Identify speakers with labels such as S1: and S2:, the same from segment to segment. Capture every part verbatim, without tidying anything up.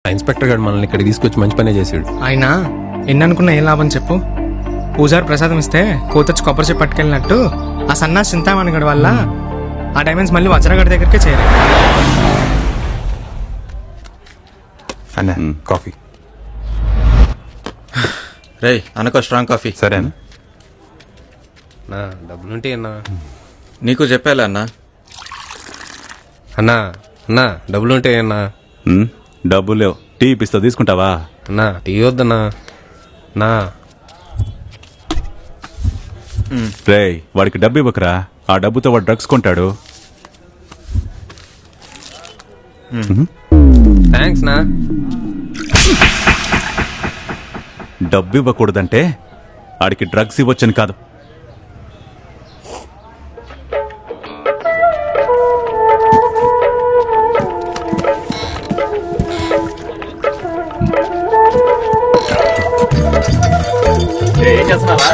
S1: ఆ ఇన్స్పెక్టర్ గారు మనల్ని ఇక్కడికి తీసుకొచ్చి మంచి పనే చేసాడు.
S2: ఆయన ఎన్ని అనుకున్నా ఏం లాభం చెప్పు. పూజారి ప్రసాదం ఇస్తే కోతొచ్చి కొబ్బరి చెప్పి పట్టుకెళ్ళినట్టు ఆ సన్నాసి చింతామణి గడి వల్ల ఆ డైమండ్స్ మళ్ళీ వజ్రగడి దగ్గరికే చేరాయి.
S3: అన్న కాఫీ.
S4: రే అనుకో స్ట్రాంగ్ కాఫీ.
S3: సరేనా?
S1: నా డబ్బులుంటే అన్నా.
S4: నీకు చెప్పాలే అన్నా.
S1: అన్నా అన్నా డబ్బులుంటే అన్నా.
S3: డబ్బులు లేవు, టీ ఇప్పిస్తా తీసుకుంటావా?
S1: అన్నా టీ వద్దన్నా. నా
S3: రే వాడికి డబ్బు ఇవ్వకరా, ఆ డబ్బుతో వాడు డ్రగ్స్ కొంటాడు.
S1: థ్యాంక్స్ నా.
S3: డబ్బు ఇవ్వకూడదంటే ఆడికి డ్రగ్స్ ఇవ్వచ్చని కాదు.
S4: ఏం చేస్తున్నావా?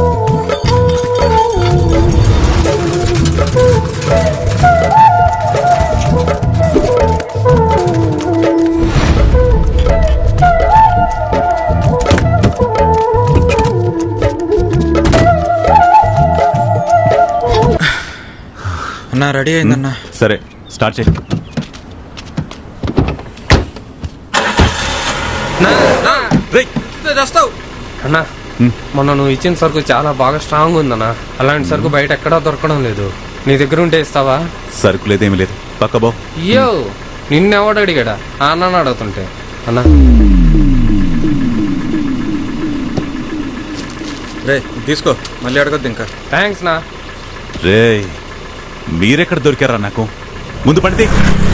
S4: అన్నా రెడీ అయిందన్నా.
S3: సరే స్టార్ట్ చేయి.
S1: అన్నా మొన్న నువ్వు ఇచ్చిన సరుకు చాలా బాగా స్ట్రాంగ్ ఉందన్నా. అలాంటి సరుకు బయట ఎక్కడా దొరకడం లేదు. నీ దగ్గర ఉంటే ఇస్తావా?
S3: సరుకు లేదేమీ లేదు, పక్క బో.
S1: అయ్యో నిన్నెవడు అడిగాడా? ఆ అన్న అడుగుతుంటే. అన్నా
S4: రే తీసుకో, మళ్ళీ అడగద్దు ఇంకా.
S1: థ్యాంక్స్ నా.
S3: రే మీరెక్కడ దొరికారా నాకు? ముందు పడితే